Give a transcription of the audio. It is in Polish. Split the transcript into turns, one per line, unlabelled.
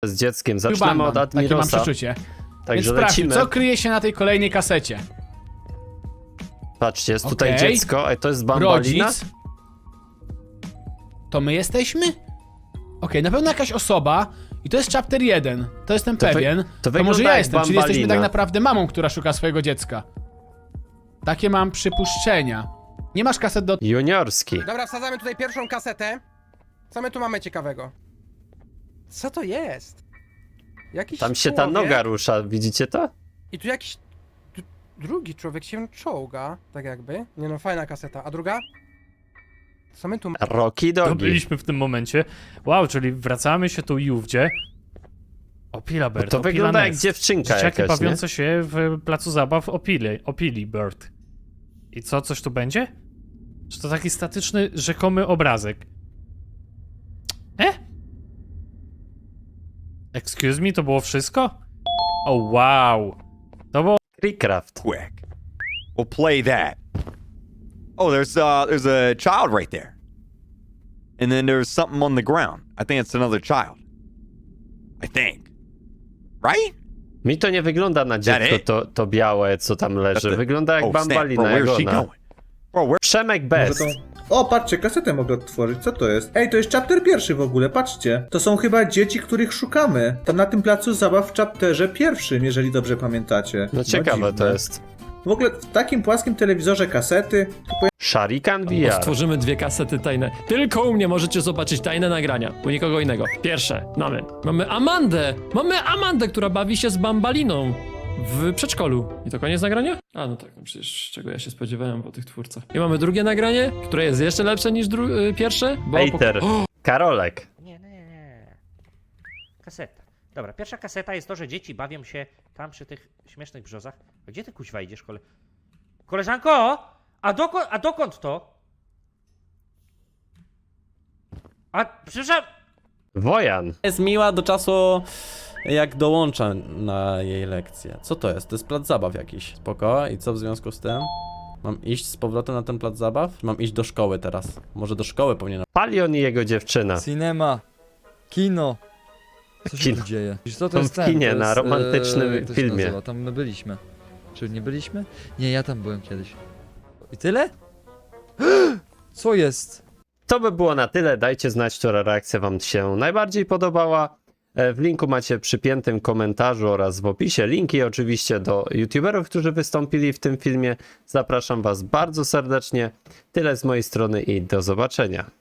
z dzieckiem. Zaczynamy
Bandam.
od
Takie mam
Admirosa.
przeczucie. Więc
Także
sprawdźmy,
lecimy.
co kryje się na tej kolejnej kasecie.
Patrzcie, jest tutaj
Okej.
dziecko, a to jest bambalina.
Rodzic. To my jesteśmy? Okej, na pewno jakaś osoba. I to jest chapter 1. To jestem
To wy-
pewien.
to
To może
wygląda
ja
jak
jestem, czyli jesteśmy
Bambalina.
tak naprawdę mamą, która szuka swojego dziecka. Takie mam przypuszczenia. Nie masz kaset do...
Juniorski.
Dobra, wsadzamy tutaj pierwszą kasetę. Co my tu mamy ciekawego? Co to jest? Jakiś
Tam się ta
człowiek
noga rusza, widzicie to?
I tu jakiś drugi człowiek się czołga, tak jakby. Nie no, fajna kaseta. A druga? Co my tu mamy?
Rocky
To
Dogi.
byliśmy w tym momencie. Wow, czyli wracamy się tu Jówdzie. Opila Bird,
To
Opila
wygląda jak
Nest.
dziewczynka
Dzieciaki
jakaś, nie?
bawiące się w placu zabaw Opili Bird. I co, coś tu będzie? Czy to taki statyczny, rzekomy obrazek? Excuse me, to było wszystko? O wow. To było...
Creecraft.
Quick. We'll play that. Oh, there's a child right there. And then there's something on the ground. I think it's another child. I think. Right?
Mi to nie wygląda na dziecko,
it?
to białe, co tam leży.
the-
Wygląda jak
Oh, snap. Bro,
bambalina, jak
where's she
ona.
going? Bro, where?
Przemek
Może
Best.
O, patrzcie, kasetę mogę odtworzyć, co to jest? Ej, to jest chapter pierwszy w ogóle, patrzcie. To są chyba dzieci, których szukamy. Tam na tym placu zabaw w chapterze pierwszym, jeżeli dobrze pamiętacie.
No ciekawe to
dziwne.
jest.
W ogóle w takim płaskim telewizorze kasety, to
Sharikan
Bo
VR.
stworzymy dwie kasety tajne. Tylko u mnie możecie zobaczyć tajne nagrania. U nikogo innego. Pierwsze, mamy Amandę! Mamy Amandę, która bawi się z bambaliną w przedszkolu. I to koniec nagrania? A no tak, no przecież czego ja się spodziewałem po tych twórcach. I mamy drugie nagranie, które jest jeszcze lepsze niż pierwsze. Bo
Hater. Karolek.
Nie. Kaseta. Dobra, pierwsza kaseta jest to, że dzieci bawią się tam przy tych śmiesznych brzozach. A gdzie ty kuźwa idziesz, Koleżanko! A dokąd to? A, przepraszam...
Wojan.
Jest miła do czasu, jak dołącza na jej lekcję. Co to jest? To jest plac zabaw jakiś. Spoko. I co w związku z tym? Mam iść z powrotem na ten plac zabaw? Mam iść do szkoły teraz. Może do szkoły powinienem.
Palion i jego dziewczyna.
Cinema. Kino. Co się
Kino.
tu dzieje? Co to
Są
jest
w
ten?
kinie
To
na
jest,
romantycznym
jak to się
filmie.
nazywa? Tam my byliśmy. Czy nie byliśmy? Nie, ja tam byłem kiedyś. I tyle? Co jest?
To by było na tyle. Dajcie znać, która reakcja wam się najbardziej podobała. W linku macie przypiętym komentarzu oraz w opisie linki oczywiście do youtuberów, którzy wystąpili w tym filmie. Zapraszam was bardzo serdecznie. Tyle z mojej strony i do zobaczenia.